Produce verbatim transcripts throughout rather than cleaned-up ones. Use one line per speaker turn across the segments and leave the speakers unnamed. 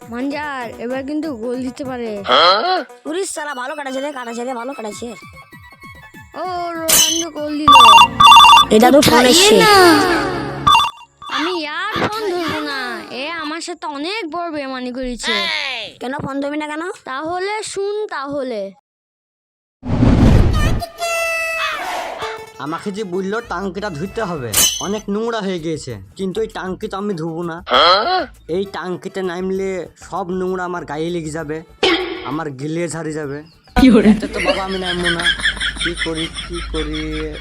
মানজার এবার কিন্তু গোল দিতে পারে।
উড়িস সালা ভালো কাটাছে রে কাটাছে রে ভালো কাটাছে।
ও রোনাল্ডো গোল দিল।
এটা তো ফোন এসছে।
আমি আর ফোন ধরবো না, এ আমার সাথে অনেক বড় বেমানি করেছে।
কেন ফোন ধরবি না কেন?
তাহলে শুন তাহলে।
আমাকে যে বললো টাঙ্কিটা ধুইতে হবে, অনেক নোংরা হয়ে গিয়েছে, কিন্তু এই টাঙ্কি তো আমি ধুবো না। এই টাঙ্কিতে নামলে সব নোংরা আমার গায়ে লেগে যাবে, আমার গিলে ঝাড়ি যাবে। এতে তো বাবা আমি নামবো না। কি করি কি করি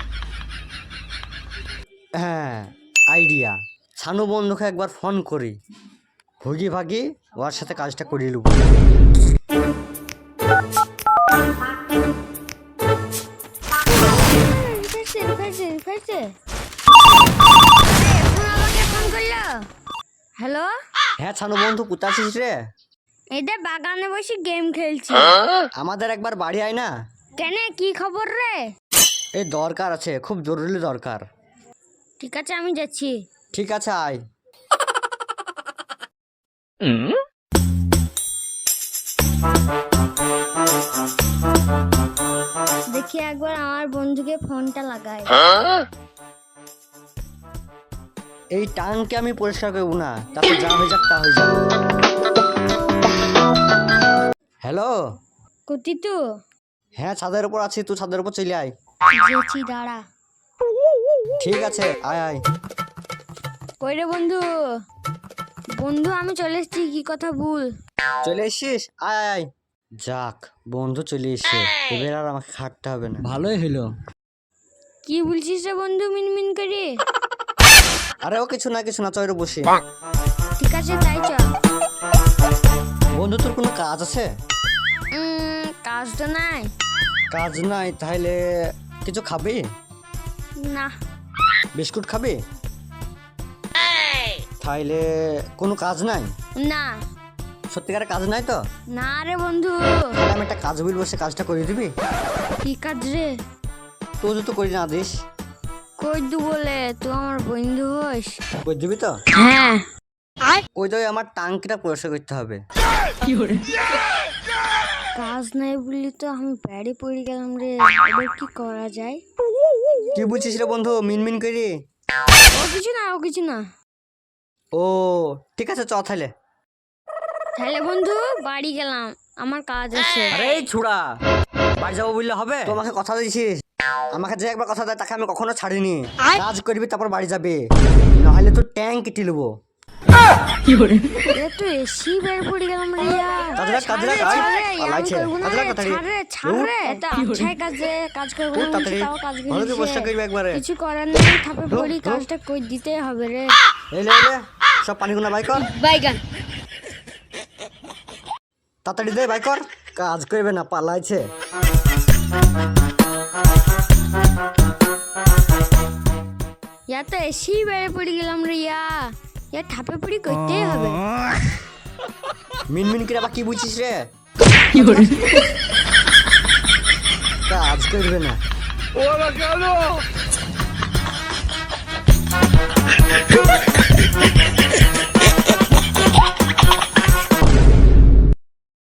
হ্যাঁ আইডিয়া, ছানু বন্ধুকে একবার ফোন করি, ভুগি ভাগি ওর সাথে কাজটা করিয়ে নেবো।
হ্যালো,
হ্যাঁ ছানু বন্ধু কোথায় আছিস রে?
এদের বাগানে বসে গেম খেলছি।
আমাদের একবার বাড়ি আয় না।
কেন, কি খবর রে?
এই দরকার আছে, খুব জরুরি দরকার।
ঠিক আছে আমি যাচ্ছি।
ঠিক আছে আয়।
দেখি একবার আমার বন্ধুকে ফোনটা লাগাই।
এই টাঙ্কে আমি পরিষ্কার করবো না, তারপর যা হয়ে যাক তা হয়ে যাক। হ্যালো,
কুতি তু
হ্যাঁ ছাদের উপর আছি, তুই ছাদের উপর চলে আয়।
যেছি দাঁড়া।
ঠিক আছে আয় আয়।
কই রে বন্ধু? বন্ধু আমি চলে এসেছি, কি কথা ভুল।
চলে এসছিস? আয় আয় আয়। যাক বন্ধু চলে এসছে, এবার আর আমাকে খাটতে হবে না, ভালোই হলো।
কি বলছিস রে বন্ধু মিনমিন করে?
আরে ও কিছু না কিছু না, চয়রে বসি।
ঠিক আছে তাই চ।
বন্ধু তোর কোনো কাজ আছে?
উম, কাজ তো নাই।
কাজ নাই, তাহলে কিছু খাবি?
না।
বিস্কুট খাবি? তাহলে কোনো কাজ নাই?
না।
সত্যিকারের কাজ নাই তো?
না রে বন্ধু।
তাহলে আমি একটা কাজ বলবো, সে কাজটা করে দিবি?
কি কাজ রে?
তুই যদি করি না দিস?
কই দু বলে তুই আমার বন্ধু হোস?
করে দিবি তো?
হ্যাঁ।
ওই তো আমার টাঙ্কিটা পরিষ্কার করতে হবে।
কাজ নাই বললি তো আমি ব্যাড়ে পড়ে গেলাম রে, এবার কি করা যায়?
কি বুঝছিস রে বন্ধু মিনমিন করি?
ও কিছু না, ও কিছু না।
ও ঠিক আছে চ তাহলে।
তাহলে বন্ধু বাড়ি গেলাম, আমার কাজ আছে।
আরে এই ছুড়া, বাড়ি যাবো বললে হবে? তোমাকে কথা দিয়েছিস, আমাকে যে একবার কথা দেয় তাকে আমি কখনো ছাড়িনি। কাজ করবি তারপর বাড়ি যাবে, নাহলে তো ট্যাঙ্ক কেটে নেবো।
এ তো এসি বের পড়ে গেলাম রে ইয়ার।
কাজরা কাজরা কাজ পালাইছে, কাজরা কথাড়ি
ছাড় রে ছাড় রে, এটা আচ্ছাই কাজে কাজ করব না,
তাড়াতাড়ি
তাও কাজ
ভালো করে বসে
করছি।
করবি একবারে।
কিছু করার নেই, থাপে পড়ি, কাজটা কই দিতে হবে রে।
এই লে লে সব পানি গুনা বাই কর,
বাইগান।
তাড়াতাড়ি দে বাই কর, কাজ করবে না পালাইছে।
ইয়া তো এসি বের পড়ে গেলাম রে ইয়া, ইয়া থাপে পড়ি করতেই হবে।
মিনমিন করে আবার কি বুঝছিস রে? কাজ করবে না। ওরা কেন?